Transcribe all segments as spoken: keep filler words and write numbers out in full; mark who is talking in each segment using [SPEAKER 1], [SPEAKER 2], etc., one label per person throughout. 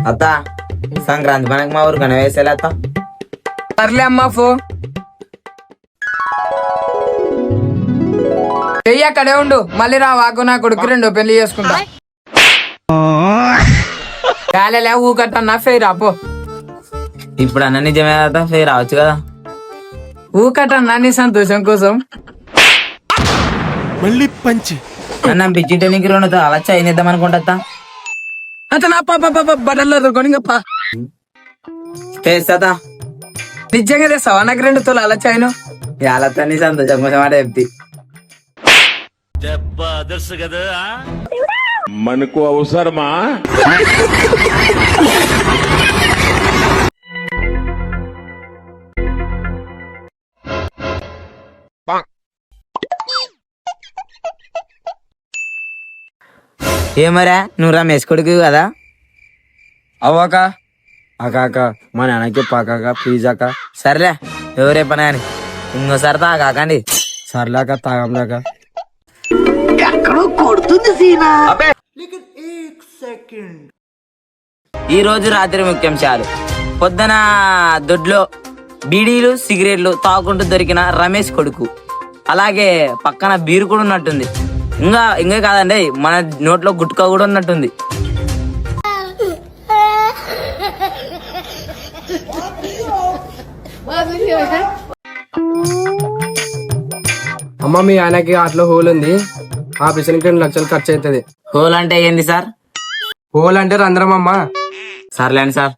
[SPEAKER 1] అత్త సంక్రాంతి మనకి మా ఊరు కన వేసేలా అత్త.
[SPEAKER 2] సర్లే అమ్మా ఫో చెయ్యి అక్కడే ఉండు, మళ్ళీ రా వాకు నా కొడుకు రెండో పెళ్లి చేసుకుంటా. కాలేలే ఊకట్టన్నా ఫెయిర్ రాపో.
[SPEAKER 1] ఇప్పుడు అన్న నిజమే అత్త, ఫేర్ రావచ్చు కదా.
[SPEAKER 2] ఊకట్టన్నా నీ సంతోషం కోసం.
[SPEAKER 3] మళ్ళీ పంచి
[SPEAKER 1] అన్న పిచ్చిటే నీకు రెండు అలా చైనిద్దాం అనుకుంటా.
[SPEAKER 2] అతను బట్టలు కొనిగప్ప
[SPEAKER 1] చేస్తా
[SPEAKER 2] నిజంగా తెస్తావా నాకు రెండు తోలు అలా చైను.
[SPEAKER 1] ఇవాళ నీ సంతోషం కోసం మాట చెప్తి.
[SPEAKER 3] మనకు అవసరమా?
[SPEAKER 1] ఏమరా నువ్వు రమేష్ కొడుకు కదా?
[SPEAKER 4] అవ్వక అకాక మా నాన్నకి పాకాక ప్లీజ్ అక్క.
[SPEAKER 1] సర్లే ఎవరే పని అని ఇంకోసారి తాకాకండి.
[SPEAKER 4] సర్లేక తాగంలాక.
[SPEAKER 1] ఈ రోజు రాత్రి ముఖ్యాంశాలు. పొద్దున దొడ్లో బీడీలు సిగరెట్లు తాగుకుంటూ దొరికిన రమేష్ కొడుకు, అలాగే పక్కన బీరు కూడా ఉన్నట్టుంది. ఇంకా ఇంకా కాదండి, మన నోట్లో గుట్కా కూడా ఉన్నట్టుంది.
[SPEAKER 4] అమ్మ మీ ఆయనకి అట్లా హోల్ ఉంది, ఆపరేషన్కి రెండు లక్షలు ఖర్చు అవుతుంది.
[SPEAKER 1] హోల్ అంటే ఏంది సార్?
[SPEAKER 4] హోల్ అంటే రంధ్రం అమ్మా.
[SPEAKER 1] సర్లేండి సార్.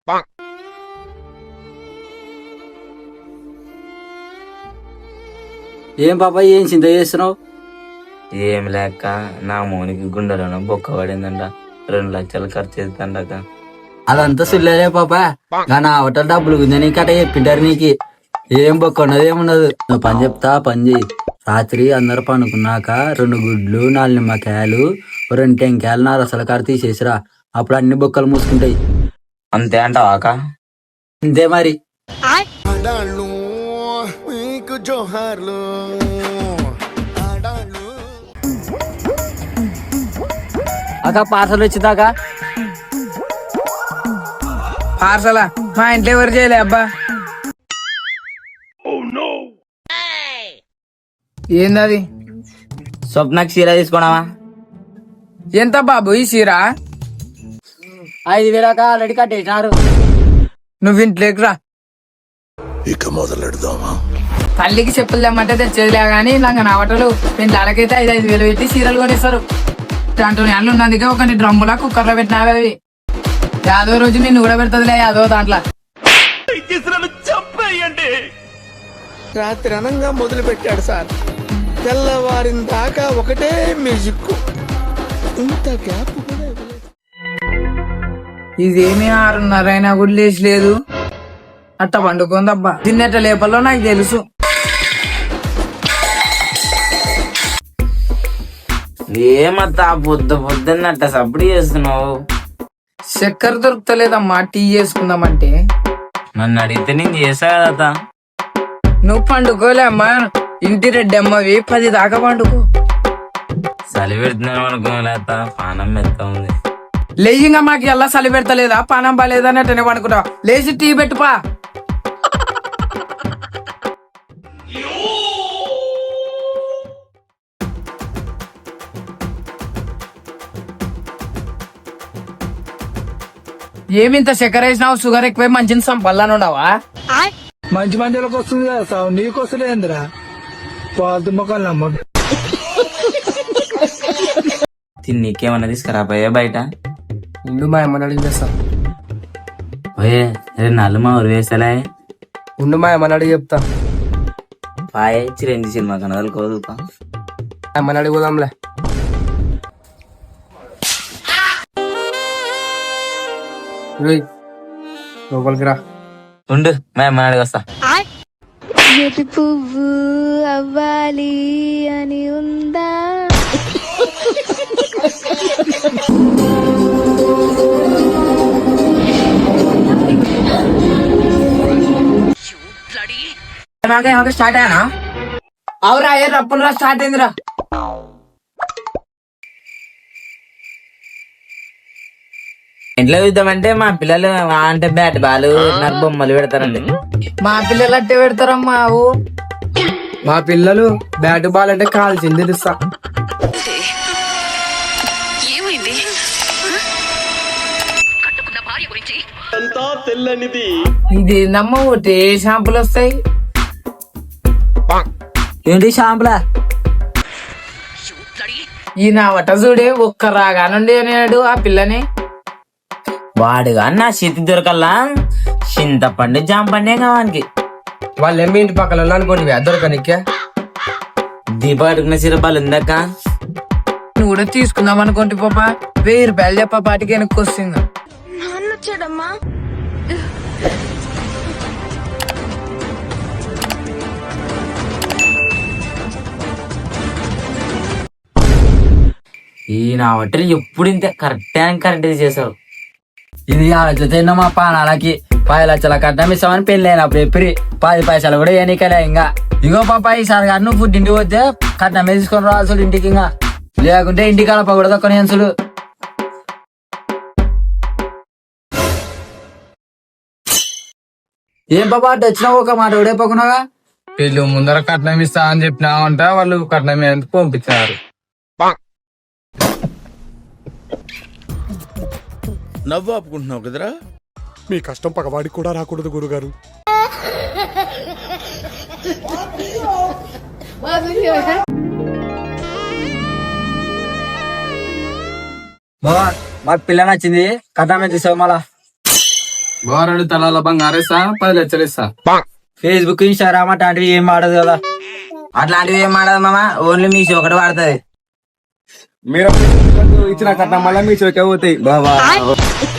[SPEAKER 4] ఏం పాప ఏం చింత చేస్తున్నావు?
[SPEAKER 1] ఏం లేక నా మోనికి గుండెలోనో బొక్క పడిందంట, రెండు లక్షలు ఖర్చు అవుతుందట.
[SPEAKER 4] అదంతా సుల్లే పాప, కానీ అవతల డబ్బులు గుంజని కట చెప్పింటారు నీకు. ఏం బొక్క ఉన్నది ఏమున్నదు. నువ్వు పని చెప్తా పని చేయి. రాత్రి అందరు పనుకున్నాక రెండు గుడ్లు నాలుగు నిమ్మకాయలు రెండు టెంకాయలు నా రసల కాడ తీసేసిరా, అప్పుడు అన్ని బొక్కలు మూసుకుంటాయి.
[SPEAKER 1] అంతే అంటావాక?
[SPEAKER 4] అంతే మరి. అక్క పార్సల్ వచ్చిందాకా.
[SPEAKER 2] పార్సలా మా ఇంట్లో ఎవరు చేయలే అబ్బా. ఏందది?
[SPEAKER 1] స్వప్నకి చీర తీసుకున్నావా?
[SPEAKER 2] ఎంత బాబు ఈ చీర?
[SPEAKER 4] ఐదు వేలాక ఆల్రెడీ కట్టేసినారు.
[SPEAKER 2] నువ్వు ఇంట్లోకి రా.
[SPEAKER 3] ఇక మొదలెడదామా?
[SPEAKER 2] తల్లికి చెప్పులు తెమ్మంటే తెచ్చేదిలే గానీ ఇలాగ నా బట్టలు నేను దానికైతే ఐదు ఐదు వేలు పెట్టి చీరలు కొనిస్తారు. దాంట్లో నెలలు ఉన్నందుకే ఒక డ్రమ్ములా కుక్కర్లో పెట్టినావి అవి. యాదో రోజు నిన్ను కూడా పెడతదిలే యాదో దాంట్లో.
[SPEAKER 5] రాత్రి అనంగా మొదలు పెట్టాడు సార్, తెల్లవారిన దాకా ఒకటే మ్యూజిక్. ఇంత గ్యాప్ కూడా ఇవ్వలేదు.
[SPEAKER 2] ఇదేమీ ఆరున్నర అయినా కూడా లేచి లేదు. అట్ట పండుకుందబ్బా. తిన్నట్ట లేపల్లో నాకు తెలుసు.
[SPEAKER 1] ఏమత్తా పొద్దు పొద్దున్నట్ట సప్పుడు చేస్తున్నావు?
[SPEAKER 2] చక్కెర దొరుకుతలేదమ్మా టీ చేసుకుందామంటే.
[SPEAKER 1] నన్ను అడిగితే నేను చేసా కదా.
[SPEAKER 2] నువ్వు పండుకోలే అమ్మా, ఇంటి రెడ్డి అమ్మవి పది దాకా పండుకో.
[SPEAKER 1] చలి పెడుతున్నాను అనుకోలేత, పానం మెత్త ఉంది.
[SPEAKER 2] లేజింగా మాకు ఎలా చలి పెడతలేదా పానం బాలేదా అన్నట్టు పండుకుంటా. లేచి టీ పెట్టుపా. ఏమింత చక్కెర వేసినావు? షుగర్ ఎక్కువై మంచిని సంపల్లాను ఉండవా?
[SPEAKER 5] మంచి మందిలోకి వస్తుంది కదా సార్, నీకు వస్తలేదురా పాలు మొక్కలు అమ్మ.
[SPEAKER 1] తిన్నీకేమన్నా తీసుకురా పోయే బయట.
[SPEAKER 4] ఉండు మా అమ్మని అడిగి చేస్తా.
[SPEAKER 1] పోయే రే నల్లు మా ఊరు వేసలే.
[SPEAKER 4] ఉండు మా అమ్మని అడిగి చెప్తా.
[SPEAKER 1] పాయే చిరంజీ సినిమా కనదలు కోదుతా.
[SPEAKER 4] అమ్మని అడిగి పోదాంలే. లోపలికి రా.
[SPEAKER 1] ఉండు మా అమ్మ అడిగి వస్తా.
[SPEAKER 6] ఎటు పువ్వు అవ్వాలి అని ఉందా?
[SPEAKER 2] స్టార్ట్ అయ్యానా? అవురా ఏ రప్పులురా స్టార్ట్ అయిందిరా.
[SPEAKER 1] ఇంట్లో చూద్దామంటే మా పిల్లలు ఆ అంటే బ్యాట్ బాల్ నాకు బొమ్మలు పెడతారండి.
[SPEAKER 2] మా పిల్లలు అట్టే పెడతారమ్మా ఊ.
[SPEAKER 7] మా పిల్లలు బ్యాట్ బాల్ అంటే కాల్చింది తెలుసా.
[SPEAKER 2] ఇదేందమ్మా ఒకటి ఏ షాంపులు వస్తాయి?
[SPEAKER 4] ఏంటి షాంపులా?
[SPEAKER 2] ఈ నా వట చూడే ఒక్క రాగానుండి అనేడు ఆ పిల్లని.
[SPEAKER 1] వాడుగా నా చేతి దొరకల్లా చింతపండు జాంపండే కావానికి.
[SPEAKER 7] వాళ్ళు ఏమి ఇంటి పక్కన అనుకోండి దొరకనికే.
[SPEAKER 1] దీప అడుగున సిరపాలు ఉందక్క.
[SPEAKER 2] నువ్వు కూడా తీసుకుందాం అనుకోండి పాప. వెయ్యి రూపాయలు చెప్ప పాటికి వెనక్కి వస్తుంది.
[SPEAKER 1] ఈ నా బట్టలు ఎప్పుడు ఇంత కరెక్ట్ అండ్ కరెక్ట్ చేసావు.
[SPEAKER 4] ఇది ఆలోచితే మా పానాలకి పది లక్షల కట్నం ఇస్తామని పెళ్లి అయినప్పుడు ఎప్పుడు పది పైసలు కూడా ఎన్నికలే. ఇంకా ఇగో పాప ఈసారి గారు నువ్వు ఫుడ్ ఇంటికి పోతే కట్నమే తీసుకొని రావాల్సి ఇంటికి. ఇంకా లేకుంటే ఇంటికి కలపకూడదు కొన్ని అన్సులు. ఏం పాప అటు వచ్చినావు ఒక మాట ఓడైపోకున్నావా?
[SPEAKER 7] వీళ్ళు ముందర కట్నం ఇస్తా అని చెప్పినామంట, వాళ్ళు కట్నం ఎందుకు పంపించారు.
[SPEAKER 3] నవ్వు ఆపుకుంటున్నావు కదరా.
[SPEAKER 8] మీ కష్టం పగవాడికి కూడా రాకూడదు గురుగారు.
[SPEAKER 4] బావా మా పిల్ల నచ్చింది, కట్నం తీసావు మళ్ళా.
[SPEAKER 7] గోరడు తలాల బంగారేస్తా, పది లక్షలు ఇస్తా.
[SPEAKER 4] ఫేస్బుక్ ఇన్స్టాగ్రామ్ అట్లాంటివి ఏం వాడదు కదా.
[SPEAKER 1] అట్లాంటివి ఏం ఆడదు మామ, ఓన్లీ మీ ఒకటి వాడుతుంది.
[SPEAKER 7] మీరు ఇచ్చిన కట్నం మళ్ళీ మీ చోకే పోతాయి.
[SPEAKER 4] బాబా